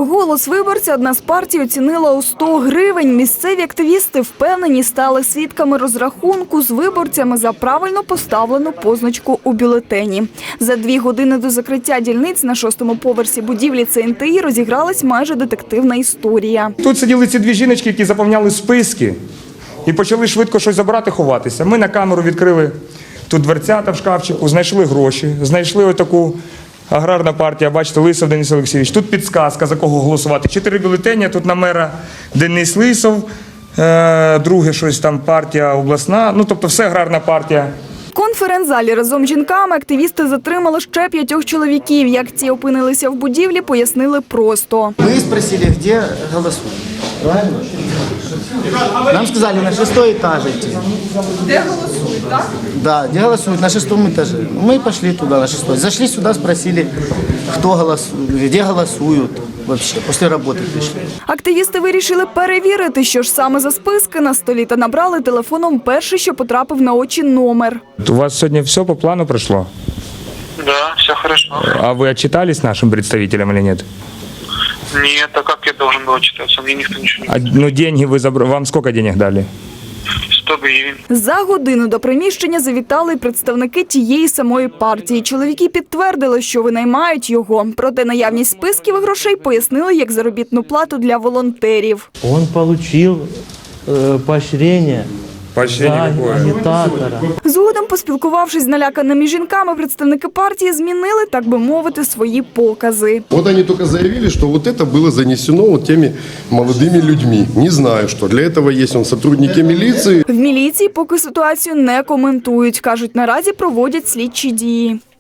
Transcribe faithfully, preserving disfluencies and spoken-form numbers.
Голос виборця одна з партій оцінила у сто гривень. Місцеві активісти впевнені, стали свідками розрахунку з виборцями за правильно поставлену позначку у бюлетені. За дві години до закриття дільниць на шостому поверсі будівлі Це ен те і розігралась майже детективна історія. Тут сиділи ці дві жіночки, які заповняли списки і почали швидко щось забирати, ховатися. Ми на камеру відкрили тут дверцята в шкафчику, знайшли гроші, знайшли отаку аграрна партія, бачите, Лисов Денис Олексійович. Тут підсказка, за кого голосувати. Чотири бюлетені, тут на мера Денис Лисов, е, друге щось там партія обласна, ну тобто все аграрна партія. В конференц-залі разом з жінками активісти затримали ще п'ятьох чоловіків. Як ці опинилися в будівлі, пояснили просто. Ми спросили, де голосують. Правильно? Нам сказали, на шестой етаж йти. Де голосують, так? Да, где голосуют, на шестом этаже. Мы пошли туда, на шестой. Зашли сюда, спросили, кто голосует, где голосуют вообще. После работы пришли. Активісти вирішили перевірити, що ж саме за списки на столі, та набрали телефоном перший, що потрапив на очі, номер. У вас сьогодні все по плану пройшло? Да, все хорошо. А вы отчитались нашим представителям или нет? Нет, а как я должен был отчитаться? Мне никто ничего не А, ну, деньги вы забрали. Вам сколько денег дали? сто гривен. За годину до приміщення завітали й представники тієї самої партії. Чоловіки підтвердили, що винаймають його. Проте наявність списків і грошей пояснили як заробітну плату для волонтерів. Он получил э, поощрение Поощрение за какое? агитатора. Згодом, поспілкувавшись з наляканими жінками, представники партії змінили, так би мовити, свої покази. Вот они только заявили, что вот это было занесено вот теми молодыми людьми. Не знаю, что. Для этого есть он сотрудники милиции. В міліції поки ситуацію не коментують. Кажуть, наразі проводять слідчі дії.